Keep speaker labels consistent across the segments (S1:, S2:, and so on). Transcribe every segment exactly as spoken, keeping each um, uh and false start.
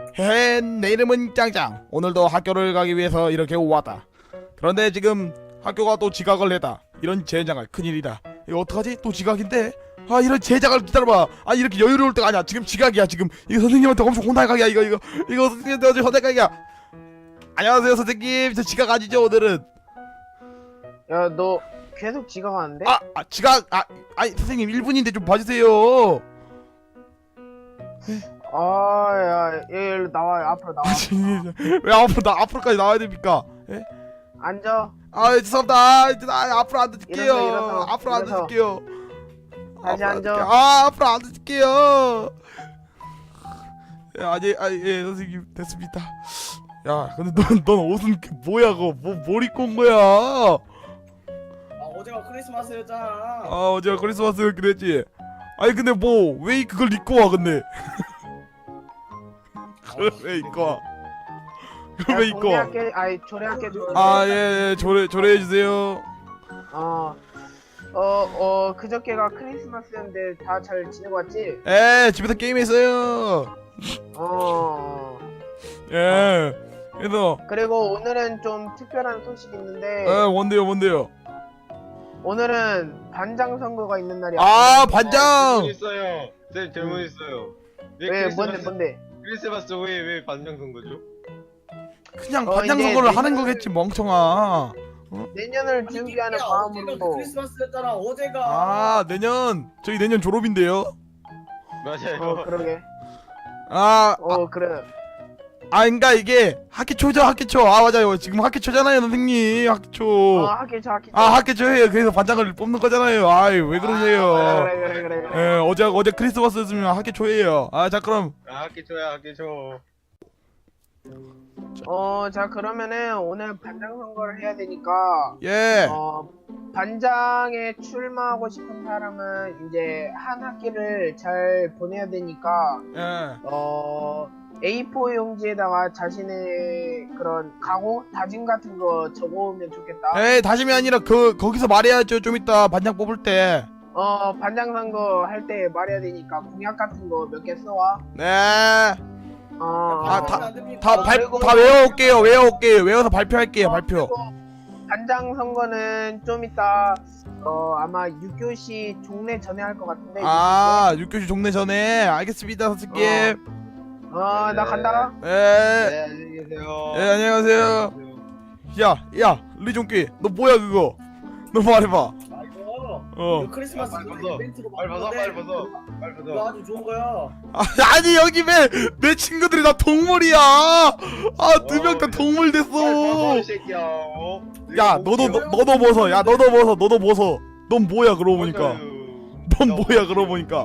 S1: 헤, 내 이름은 짱짱. 오늘도 학교를 가기 위해서 이렇게 왔다. 그런데 지금 학교가 또 지각을 했다. 이런 젠장할 큰일이다. 이거 어떡하지? 또 지각인데? 아, 이런 제작을 기다려봐. 아, 이렇게 여유로울 때가 아니야. 지금 지각이야. 지금 이거 선생님한테 엄청 혼날 각이야. 이거 이거 이거 선생님한테 어제 혼날 각이야. 안녕하세요 선생님. 저 지각 아니죠 오늘은?
S2: 야, 너 계속 지각하는데?
S1: 아, 아 지각 아 아니 선생님 일 분인데 좀 봐주세요.
S2: 아, 야, 얘 일로 나와. 앞으로 나와.
S1: 왜 앞으로 나 앞으로까지 나와야 됩니까? 예?
S2: 앉아.
S1: 아 죄송합니다. 아, 아, 앞으로 안 드릴게요.
S2: 일어서, 일어서,
S1: 앞으로 안
S2: 일어서.
S1: 드릴게요.
S2: 다시
S1: 앞으로 안
S2: 앉아.
S1: 드릴게요. 아 앞으로 안 드릴게요. 예, 아니 아니 예 선생님 됐습니다. 야 근데 넌 넌 옷은 그 뭐야 그거 뭐뭘 입고 온 거야?
S3: 아 어제가 크리스마스였잖아.
S1: 아 어제 크리스마스 그랬지. 아니 근데 뭐 왜 그걸 입고 와 근데? 그걸 왜 입고 와? 그걸 왜 입고 와?
S2: 동네학교, 아니 조례학교.
S1: 아 예 예 조례 조례해 주세요.
S2: 어, 어, 어, 그저께가 크리스마스였는데 다 잘 지내고 왔지?
S1: 에 집에서 게임했어요.
S2: 어.
S1: 예. 그래서
S2: 그리고 오늘은 좀 특별한 소식이 있는데
S1: 에 뭔데요 뭔데요?
S2: 오늘은 반장 선거가 있는 날이야.
S1: 아 반장.
S4: 질문 있어요. 쌤 질문 있어요. 왜,
S2: 왜
S4: 크리스마스,
S2: 뭔데 뭔데?
S4: 크리스마스 후에 왜 반장 선거죠?
S1: 그냥
S2: 어,
S1: 반장
S2: 이제
S1: 선거를
S2: 내년을-
S1: 하는 거겠지 멍청아.
S2: 내년을 준비하는
S3: 어제가
S2: 마음으로.
S3: 크리스마스였잖아. 어제가.
S1: 아 내년 저희 내년 졸업인데요.
S4: 맞아요.
S2: 어, 그러게.
S1: 아,
S2: 어, 그래.
S1: 아, 그러니까 이게 학기 초죠 학기 초. 아 맞아요. 지금 학기 초잖아요 선생님. 학기 초.
S2: 어, 학교 저 학교.
S1: 아 학기 초예요. 그래서 반장을 뽑는 거잖아요. 아이 왜 그러세요?
S2: 아, 그래, 그래, 그래, 그래.
S1: 예 어제 어제 크리스마스였으면 학기 초예요. 아 자 그럼
S4: 아, 학기 초야 학기 초.
S2: 어, 자 그러면은 오늘 반장 선거를 해야 되니까
S1: 예.
S2: 어, 반장에 출마하고 싶은 사람은 이제 한 학기를 잘 보내야 되니까
S1: 예.
S2: 어, 에이포 용지에다가 자신의 그런 각오, 다짐 같은 거 적어오면 좋겠다.
S1: 에이 다짐이 아니라 그 거기서 말해야죠. 좀 이따 반장 뽑을 때.
S2: 어, 반장 선거 할 때 말해야 되니까 공약 같은 거 몇 개 써와.
S1: 네.
S2: 어,
S1: 아, 다- 다
S2: 어,
S1: 발,
S2: 그리고-
S1: 다 외워올게요. 외워올게요. 외워서 발표할게요.
S2: 어,
S1: 발표.
S2: 그리고 반장 선거는 좀 이따 어 아마 육 교시 종례 전에 할 것 같은데.
S1: 아, 육 교시 종례 전에 알겠습니다, 선생님.
S2: 어, 나 간다.
S1: 예.
S4: 네, 안녕히 계세요.
S1: 예, 안녕하세요. 야, 야, 리종끼, 너 뭐야 그거? 너 말해봐.
S3: 아 이거.
S1: 어.
S3: 이거 크리스마스
S4: 빨리 벗어.
S3: 이벤트로
S4: 빨리 벗어, 빨리 벗어. 빨리
S3: 이거
S4: 벗어.
S3: 아주 좋은 거야.
S1: 아, 아니 여기 왜 내 친구들이 다 동물이야? 아, 두 명 다 동물
S4: 빨리 벗어,
S1: 됐어.
S4: 이 새끼야. 어?
S1: 야, 너도 너, 너도 벗어. 야, 너도 벗어. 너도 벗어. 넌 뭐야 그러고 보니까? 넌 뭐야 그러고 보니까?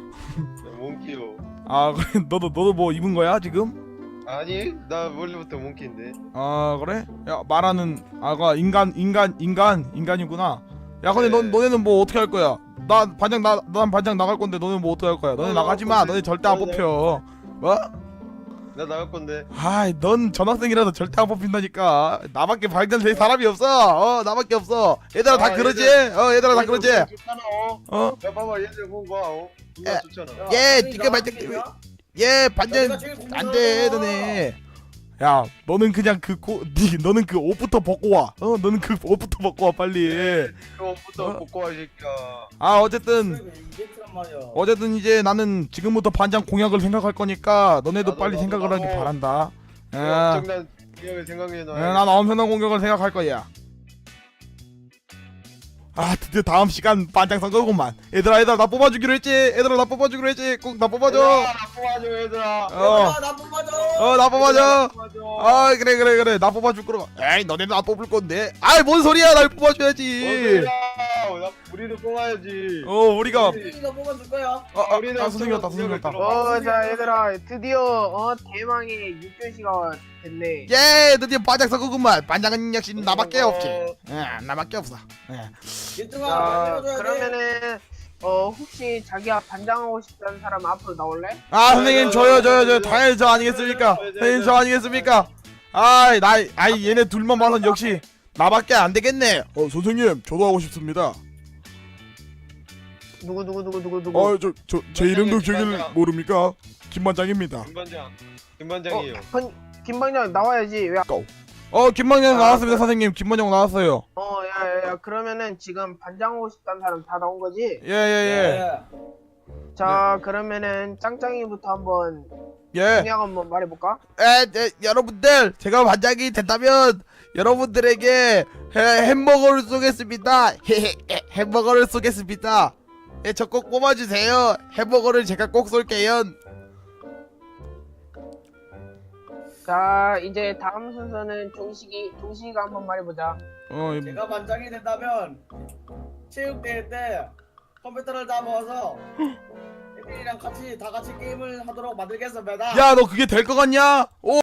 S4: 몽키요.
S1: 아, 그래, 너도 너도 뭐 입은 거야 지금?
S4: 아니, 나 원래부터 몽키인데.
S1: 아 그래? 야 말하는 아가 인간 인간 인간 인간이구나. 야 근데
S4: 네.
S1: 넌 너네는 뭐 어떻게 할 거야? 나 반장 나 난 반장 나갈 건데 너네 뭐 어떻게 할 거야? 너네
S4: 어,
S1: 나가지 마.
S4: 어,
S1: 너네 절대 안
S4: 네.
S1: 뽑혀. 뭐?
S4: 나 나갈 건데.
S1: 아이 넌 전학생이라서 절대 안 뽑힌다니까. 나밖에 반장 될 사람이 없어. 어 나밖에 없어. 얘들아 다
S4: 아,
S1: 그러지?
S4: 얘들-
S1: 어 얘들아 다 그러지?
S4: 좋잖아. 어?
S1: 어?
S4: 야, 봐봐, 얘들 공 봐. 어?
S1: 예.
S4: 존나 좋잖아.
S3: 야,
S1: 예,
S3: 선생님,
S1: 네가
S3: 나
S1: 반장
S3: 하겠냐?
S1: 얘 반장
S3: 내가 제일 공부
S1: 안 돼
S3: 잘하잖아.
S1: 너네. 야 너는 그냥 그 고, 니, 너는 그 옷부터 벗고 와. 어 너는 그 옷부터 벗고 와 빨리.
S4: 그거부터
S1: 어?
S4: 벗고 와, 이 새끼야.
S1: 아 어쨌든
S3: 그래, 이벤트란 말이야.
S1: 어쨌든 이제 나는 지금부터 반장 공약을 생각할 거니까 너네도
S4: 나도,
S1: 빨리
S4: 나도,
S1: 생각을 하길
S4: 나도.
S1: 바란다. 예.
S4: 엄청난 기억을 생각해
S1: 예,
S4: 놔.
S1: 난 엄청난 공격을 생각할 거야. 아 드디어 다음 시간 반장 선거구만. 얘들아 얘들아 나 뽑아주기로 했지. 얘들아 나 뽑아주기로 했지. 꼭 나 뽑아줘.
S4: 나 뽑아줘, 얘들아.
S1: 어.
S3: 야, 나 뽑아줘.
S1: 어 나 뽑아줘.
S4: 뽑아줘.
S1: 아 그래 그래 그래 나 뽑아줄 거라. 에이 너네는 나 뽑을 건데. 아이 뭔 소리야 날
S4: 뭔
S1: 뽑아줘야지.
S4: 소리야. 나 우리를 뽑아야지.
S1: 어 우리가
S3: 선생님, 나 뽑아줄 거야.
S1: 아, 아,
S4: 우리는
S1: 아 선생님 왔다 선생님 왔다.
S2: 어, 자 얘들아 드디어 어 대망의 육 교시가 됐네.
S1: 예 드디어 반장 선거구만. 반장은 역시 나밖에
S4: 어.
S1: 없지. 예 나밖에 없어. 예.
S3: 얘들아,
S2: 자
S3: 만들어줘야 돼.
S2: 그러면은 어 혹시 자기가 반장하고 싶다는 사람 앞으로 나올래?
S1: 아 선생님 저요 저요 저요 당연히 저 아니겠습니까? 선생님 저 아니겠습니까? 아이 나 아이 얘네 둘만 봐선 역시 나밖에 안 되겠네. 어 선생님 저도 하고 싶습니다.
S2: 누구 누구 누구 누구 누구?
S1: 아 저 저 제 이름도 기억을 모릅니까? 김반장입니다.
S4: 김반장. 김반장이에요.
S2: 번, 김방장 나와야지. 왜?
S1: 어 김반장
S2: 아,
S1: 나왔습니다
S2: 그래?
S1: 선생님. 김반장 나왔어요.
S2: 어, 야, 야, 야, 그러면은 지금 반장 오고 싶다는 사람 다 나온 거지?
S1: 예예예.
S2: 자, 그러면은 짱짱이부터 한번
S1: 예.
S2: 그냥 한번 말해볼까?
S1: 에, 에, 여러분들 제가 반장이 된다면 여러분들에게 해, 햄버거를 쏘겠습니다. 햄버거를 쏘겠습니다. 예, 저 꼭 뽑아주세요. 햄버거를 제가 꼭 쏠게요.
S2: 자, 이제 다음 순서는 종식이, 종식이가 한번 말해보자.
S1: 어, 이-
S3: 제가 반장이 된다면 체육대회 때 컴퓨터를 다 모아서 애들이랑 같이 다 같이 게임을 하도록 만들겠습니다.
S1: 야, 너 그게 될 것 같냐? 오,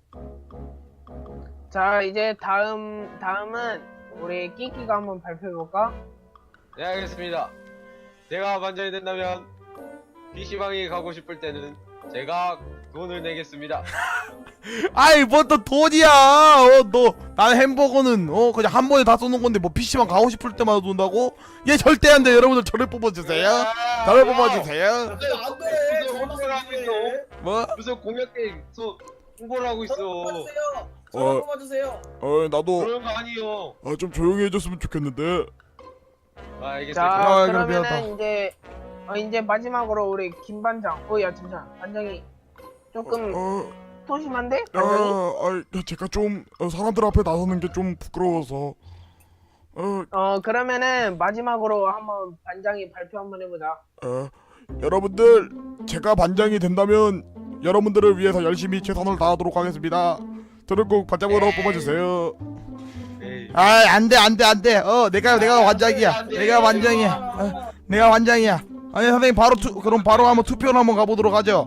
S2: 자, 이제 다음, 다음은 우리 끼끼가 한번 발표해볼까?
S4: 네 알겠습니다. 제가 반장이 된다면 피시방에 가고 싶을 때는 제가 돈을 내겠습니다.
S1: 아이 뭐 또 돈이야. 어, 너 나는 햄버거는 어 그냥 한 번에 다 쏘는 건데 뭐 피시방 가고 싶을 때마다 돈다고? 얘 절대 안 돼. 여러분들 저를 뽑아주세요. 저를 뽑아주세요.
S3: 안돼 안돼.
S4: 무슨 홍보를 하고 있어?
S1: 뭐?
S4: 무슨 공약 게임 소 홍보를 하고 있어.
S3: 저를 뽑아주세요.
S1: 어.
S3: 저를 뽑아주세요.
S1: 어 나도
S4: 그런 거 아니요.
S1: 어, 좀 조용히 해줬으면 좋겠는데.
S4: 아 알겠습니다.
S2: 자,
S1: 아, 그럼
S2: 그러면은
S1: 미안하다.
S2: 이제, 어, 이제 마지막으로 우리 김반장. 어, 야, 잠시만. 반장이 조금
S1: 어,
S2: 소심한데?
S1: 아,
S2: 반장이?
S1: 아, 제가 좀 어, 사람들 앞에 나서는 게 좀 부끄러워서. 어,
S2: 어, 그러면은 마지막으로 한번 반장이 발표 한번 해보자.
S1: 어, 여러분들 제가 반장이 된다면 여러분들을 위해서 열심히 최선을 다하도록 하겠습니다. 저를 꼭 반장으로 뽑아주세요.
S4: 에이.
S1: 아, 안돼 안돼 안돼. 어, 내가 내가 반장이야. 내가 반장이야. 어, 내가 반장이야. 아니 선생님 바로 투 그럼 바로 한번 투표를 한번 가보도록 하죠.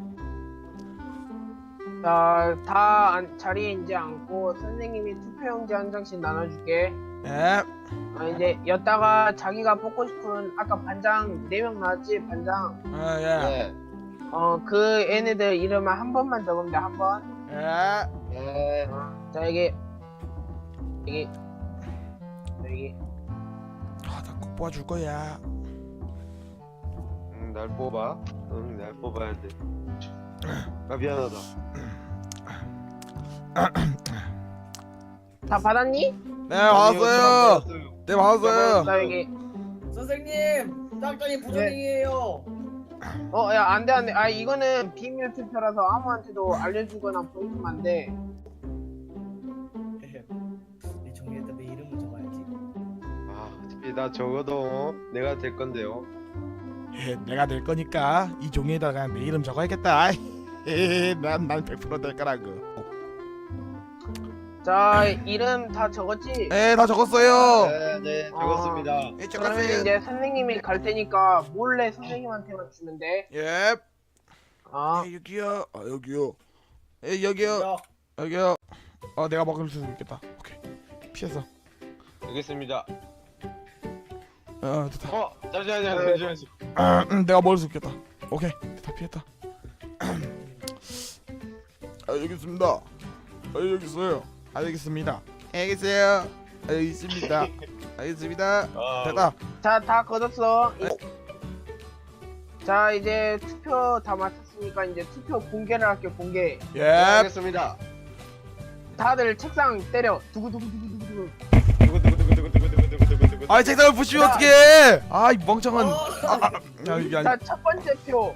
S2: 자, 다 안- 자리에 이제 앉고 선생님이 투표용지 한 장씩 나눠줄게.
S1: 예.
S2: 아, 이제 여다가 자기가 뽑고 싶은 아까 반장 네 명 나왔지? 반장.
S1: 아, 예.
S4: 네.
S2: 어, 그 애네들 이름을 한 번만 적으면 돼, 한 번.
S1: 예.
S4: 네.
S2: 자, 여기. 여기. 여기.
S1: 아, 나 꼭 뽑아줄 거야.
S4: 응, 날 뽑아. 응, 날 뽑아야 돼. 아 미안하다.
S2: 다 받았니?
S1: 네, 받았어요. 네, 받았어요.
S2: 자, 여기.
S3: 선생님 짱짱이 부정행위예요.
S2: 어, 야, 안 돼, 안 돼. 아, 이거는 비밀 투표라서 아무한테도 알려주거나 보여주면 안 돼.
S3: 이 종이에다 내 이름을 적어야지.
S4: 아 어차피 나 적어도 내가 될 건데요.
S1: 예, 내가 될 거니까 이 종이에다가 내 이름 적어야겠다. 난난 백 퍼센트 될 거라고.
S2: 자, 이름 다 적었지?
S1: 네, 다 적었어요.
S4: 네, 네 적었습니다.
S1: 예,
S2: 그러면
S1: 적었어요.
S2: 이제 선생님이 갈 테니까 몰래 선생님한테만 주면 돼.
S1: 예.
S2: 아,
S1: 예, 여기요. 아, 여기요. 예, 여기요.
S3: 야,
S1: 여기요. 어, 내가 먹을 수 있겠다. 오케이. 피했어.
S4: 알겠습니다.
S1: 어, 됐다.
S4: 어 잠시만요.
S2: 네.
S4: 잠시만요.
S1: 아, 음, 내가 먹을 수 있겠다. 오케이. 다 피했다. 아, 여기 있습니다. 아, 여기 있어요. 아, 여기 있습니다. 여기 있어요. 아, 여기 있습니다. 알겠습니다.
S4: 아,
S1: 됐다.
S2: 자, 다 거뒀어. 이- 자, 이제 투표 다 마쳤으니까 이제 투표 공개를 할게, 공개.
S1: 예.
S4: 네, 알겠습니다.
S2: 다들 책상 때려. 두구두구두구두구.
S4: 두구두구두구두구두구두구두구.
S1: 아, 책상을 부시면 어떡해. 아, 이 멍청한.
S3: 어,
S1: 아, 이게 아니.
S2: 자, 첫 번째 표.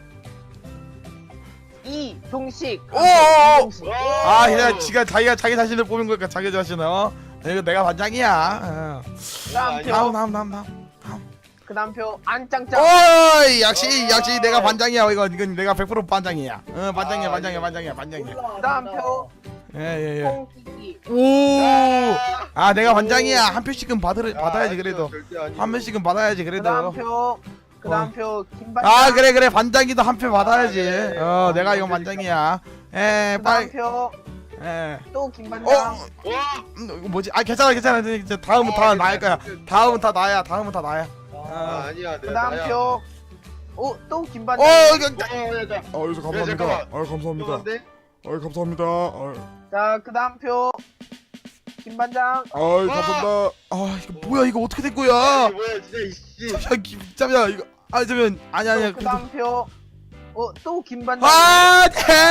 S2: 이 종식.
S1: 오, 오, 오.
S2: 종식.
S1: 아, 그냥 지가 자기가 자기 자신을 뽑은 거니까 자기 자신을. 어? 이거 내가 반장이야. 어.
S2: 다음
S4: 아니,
S2: 표.
S1: 다음 다음 다음 다음.
S2: 그다음 표 안짱짱.
S1: 오이, 역시 역시 내가 반장이야. 이거 이건 내가 백 퍼센트 반장이야. 어, 반장이야,
S4: 아,
S1: 반장이야,
S4: 예.
S1: 반장이야, 반장이야.
S3: 몰라,
S2: 그다음
S3: 몰라.
S2: 표.
S1: 예, 예,
S2: 콩키키.
S1: 예. 오. 아, 내가 반장이야. 한 표씩은 받을
S4: 아,
S1: 받아야지
S4: 아니요,
S1: 그래도.
S4: 절대 아니요.
S1: 한 표씩은 받아야지
S2: 그다음
S1: 그래도.
S2: 표. 그다음
S1: 어.
S2: 표 김반장.
S1: 아, 그래 그래. 반장이도 한 표 받아야지.
S4: 아, 예.
S1: 어, 내가 이건 반장이야. 예,
S2: 그다음
S1: 빨리.
S2: 표.
S1: 예.
S2: 또
S1: 어,
S2: 김반장.
S4: 와.
S1: 음, 이거 뭐지? 아, 괜찮아, 괜찮아. 이제 다음은
S4: 아,
S1: 다
S4: 괜찮아,
S1: 나을 거야.
S4: 괜찮아.
S1: 다음은 다 나야. 다음은 다 나야.
S3: 아,
S4: 아, 아니야. 내
S2: 그다음
S4: 나야.
S2: 표. 오, 또
S1: 어,
S2: 김반장.
S1: 이거.
S4: 어, 야, 자.
S1: 아, 여기서 감사합니다.
S4: 잠깐만.
S1: 아, 감사합니다.
S4: 죄송한데?
S1: 아, 감사합니다. 아,
S2: 자, 그다음 표. 김반장.
S1: 아, 감사합니다. 아, 이거 뭐야? 이거 어떻게 된 거야?
S4: 아니, 뭐야 진짜 이씨.
S1: 잠시만, 기- 잠시만 이거. 아, 잠시만. 아니 아니야.
S2: 또 그다음 표. 어, 또 김반장.
S1: 아,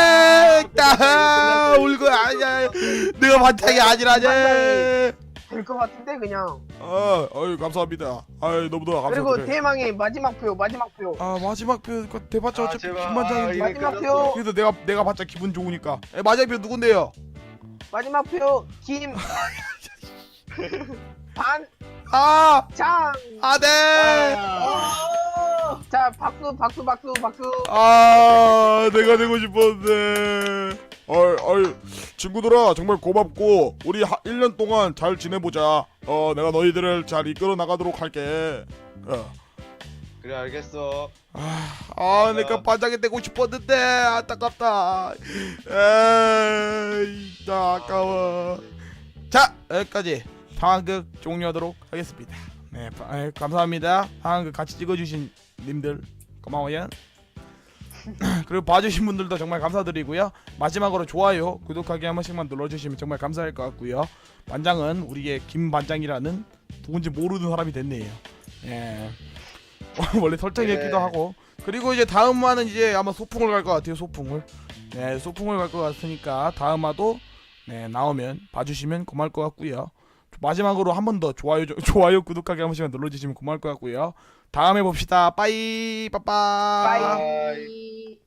S1: 됐다. 울거 아니야. 내가 반장이 아니라지.
S2: 될것 같은데 그냥.
S1: 아, 어이 감사합니다. 아이 너무나
S2: 그리고
S1: 감사드려요.
S2: 대망의 마지막 표, 마지막 표.
S1: 아 마지막 표 대봤자
S4: 아,
S1: 어차피
S4: 제발.
S1: 김반장인데.
S4: 아,
S2: 마지막
S4: 끝났어.
S2: 표,
S1: 그래도 내가 내가 봤자 기분 좋으니까. 에, 마지막 표 누군데요?
S2: 마지막 표, 김. 반,
S1: 아,
S2: 장.
S1: 아 네.
S3: 아,
S2: 자, 박수, 박수, 박수, 박수.
S1: 아, 내가 되고 싶었는데. 어이, 어이, 친구들아, 정말 고맙고, 우리 하, 일 년 동안 잘 지내보자. 어, 내가 너희들을 잘 이끌어 나가도록 할게. 어.
S4: 그래 알겠어.
S1: 아, 아, 내가 반장이 되고 싶었는데, 안타깝다. 에이, 나 아까워. 자, 여기까지 상황극 종료하도록 하겠습니다. 네, 바- 에, 감사합니다. 상황극 같이 찍어주신 님들 고마워요. 그리고 봐주신 분들도 정말 감사드리고요. 마지막으로 좋아요, 구독하기 한 번씩만 눌러주시면 정말 감사할 것 같고요. 반장은 우리의 김 반장이라는 누군지 모르는 사람이 됐네요. 예. 원래 설정이었기도
S4: 네.
S1: 하고. 그리고 이제 다음화는 이제 아마 소풍을 갈 것 같아요. 소풍을. 네, 소풍을 갈 것 같으니까 다음화도 네 나오면 봐주시면 고마울 것 같고요. 마지막으로 한 번 더 좋아요 좋아요 구독하기 한 번씩만 눌러주시면 고마울 것 같고요. 다음에 봅시다. 빠이 빠빠.
S2: 빠이.